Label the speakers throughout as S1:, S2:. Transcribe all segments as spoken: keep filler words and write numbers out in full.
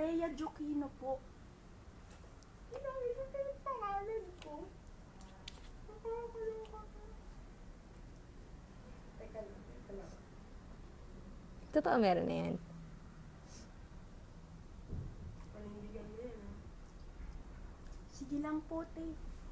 S1: Rhea Joquino po. Ginamit ko yung pangalan ko. Nakakaloka po. Teka lang, teka lang.
S2: Totoo meron na yan.
S1: Panindigan mo yan, ha? Sige lang po, te.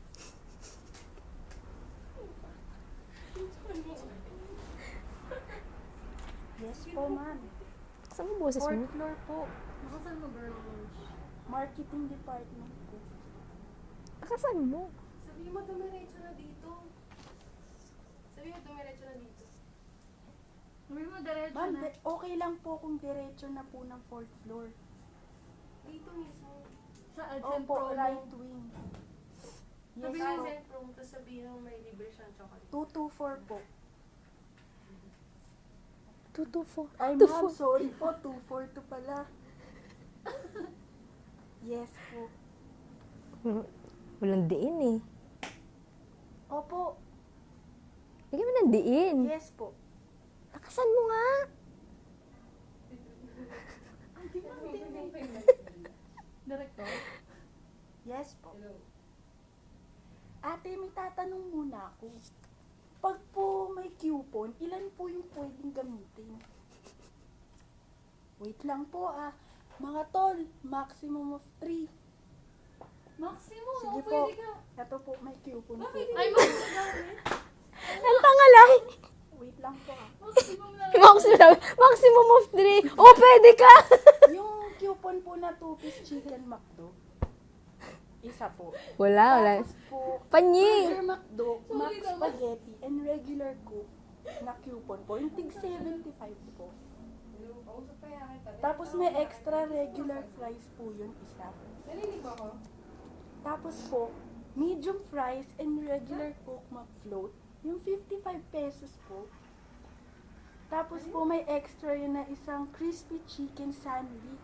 S1: Yes po, ma'am.
S2: Saan mo boses
S1: Fourth
S2: mo?
S1: floor po.
S3: Nakasan mo girl lunch?
S1: Marketing department ko.
S2: Nakasan mo?
S3: Sabihin mo dumiretso na dito. Sabihin mo dumiretso na dito. Sabihin mo diretso
S1: Ma'am,
S3: na.
S1: de- okay lang po kung diretso na po ng fourth floor.
S3: Dito mismo. Sa
S1: Opo,
S3: Adcent
S1: right wing. Yes
S3: Sabihin mo
S1: po.
S3: Adcent Pro, tapos sabihin mo may libre siyang chocolate.
S1: two two four po.
S2: two two four.
S1: Ay,
S2: two
S1: ma'am,
S2: four.
S1: sorry po. two four two pala. Yes po.
S2: Walang diin eh.
S1: Opo.
S2: Bigyan mo ng diin.
S1: Yes po.
S2: Nakasan mo nga.
S3: Director?
S1: Yes po. Ate, may tatanong muna ako. Pag po may coupon, ilan po yung pwedeng gamitin? Wait lang po ah. Mga tol, maximum of three.
S3: Maximum,
S1: Sige
S3: oh,
S1: po.
S3: pwede ka.
S1: Ito po, may coupon po.
S3: Bakit? Ay, maximum.
S2: Ang tangalay.
S1: Wait lang po ah.
S3: Maximum na lang.
S2: Maximum, maximum of three. Oh, pwede ka.
S1: Yung coupon po na two-piece chicken McDo, isa po.
S2: Wala, wala.
S1: Tapos po,
S2: Panyi.
S1: Burger McDo,
S3: Sorry
S1: Mac
S3: naman.
S1: Spaghetti, and regular Coke na coupon po. Yung tig seventy-five po. Tapos may extra regular fries po yun, isa.
S3: Narinig ba ko?
S1: Tapos po, medium fries and regular Coke McFloat, yung fifty-five pesos po. Tapos po may extra yun na isang crispy chicken sandwich.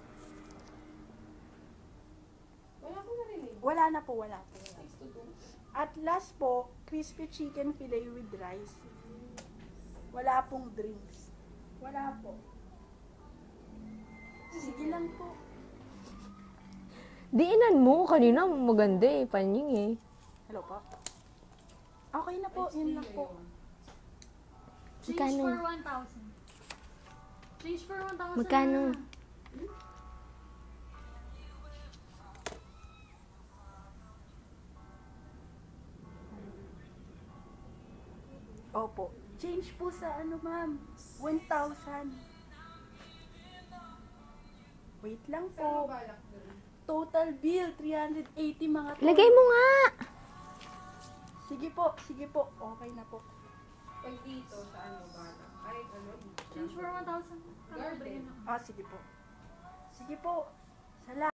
S3: Wala ko narinig.
S1: Wala na po, wala po. Wala.
S3: six to two.
S1: At last po, crispy chicken fillet with rice. Wala pong drinks. Wala po. Sige lang po.
S2: Diinan mo. Kanina maganda eh. Panying eh.
S1: Hello po. Okay na po, yun lang po.
S3: Change
S2: Magkano?
S3: for one thousand. Change for one thousand.
S2: Magkano?
S1: Opo. Change po sa ano ma'am, one thousand. Wait lang po. Total bill, three hundred eighty mga to.
S2: Lagay mo nga.
S1: Sige po, sige po. Okay na po.
S3: Pag dito, sa ano ba? Kahit ano? Change for one thousand.
S1: Ah, sige po. Sige po. Salamat.